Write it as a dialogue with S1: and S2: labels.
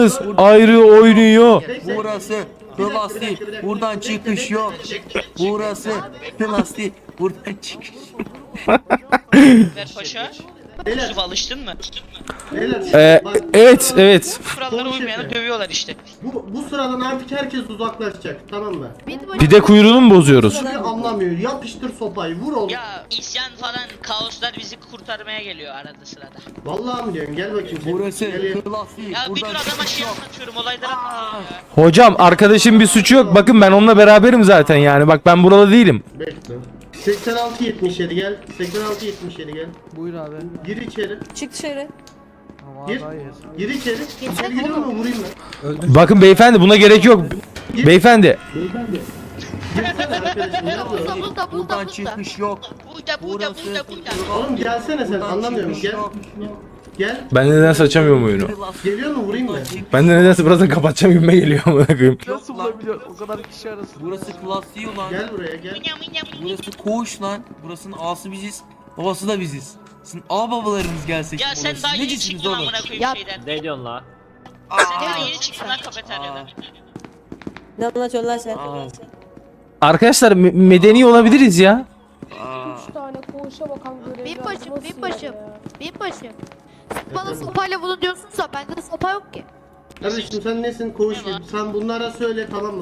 S1: ayrı oynuyor.
S2: Burası plastik. Buradan çıkış yok. Burası plastik. Buradan çıkış.
S3: Ver paşa.
S4: Beyler,
S3: Yusuf alıştın mı?
S4: beyler, bak,
S1: Evet.
S3: Kurallara
S4: Konuş
S3: uymayanı
S4: Efe.
S3: dövüyorlar işte.
S4: bu sıradan artık herkes uzaklaşacak, tamam mı?
S1: Pide kuyruğunu mu bozuyoruz?
S4: Hiçbir anlamıyor. Yapıştır sopayı, vur oğlum.
S3: Ya isyan falan kaoslar bizi kurtarmaya geliyor arada sırada.
S4: Vallahi mi diyorsun? Gel bakayım. sen.
S2: Burası
S4: Gel.
S2: plastik.
S3: Ya bir dur
S2: Buradan
S3: adama
S2: çıkış
S3: şey
S2: yok.
S3: anlatıyorum, olayları anlatıyorum ya.
S1: Hocam arkadaşım bir suçu yok. Bakın ben onunla beraberim zaten yani. Bak ben buralı değilim.
S4: Bekle. 86-77 gel. 86-77 gel.
S5: Buyur abi.
S4: Gir içeri.
S6: Çık dışarı.
S5: Ama
S4: Gir.
S5: hayır.
S4: Gir içeri. İçeri giriyor mu? Vurayım mı?
S1: Bakın beyefendi buna gerek yok. Beyefendi.
S4: Girsene arkadaşım. Ne yapıyorsun?
S2: Buradan çıkış yok.
S3: Burada.
S4: Oğlum gelsene sen.
S2: Buradan
S4: Anlamıyorum.
S2: çıkış
S4: Gel.
S2: yok.
S4: Gel.
S1: Ben de nedense açamıyorum oyunu.
S4: Geliyor mu? Vurayım mı?
S1: Ben de nedense birazdan kapatacağım gibime geliyor amına koyayım.
S5: Nasıl bulabiliyor? O kadar kişi arasında.
S2: Burası plastiği ulan.
S4: Gel buraya gel.
S2: Burası koğuş lan. Burasının ağası biziz. Babası da biziz. Sizin ağ babalarınız gelse.
S3: Ya sen daha yeni çıktın amına koyayım
S6: Yap.
S3: şeyden.
S7: Ne diyorsun la?
S3: Sen daha yeni çıktın lan kafeteryadan.
S6: Ne anlatıyorsun lan sen?
S1: Arkadaşlar medeni olabiliriz ya.
S8: Üç tane koğuşa bakan görevli
S9: Binbaşım,
S8: nasıl
S9: binbaşım,
S8: ya?
S9: binbaşım. Siz bana sopayla bunu diyorsunsa bende de sopa yok ki.
S4: Kardeşim sen nesin? Koğuş. Sen bunlara söyle, tamam mı?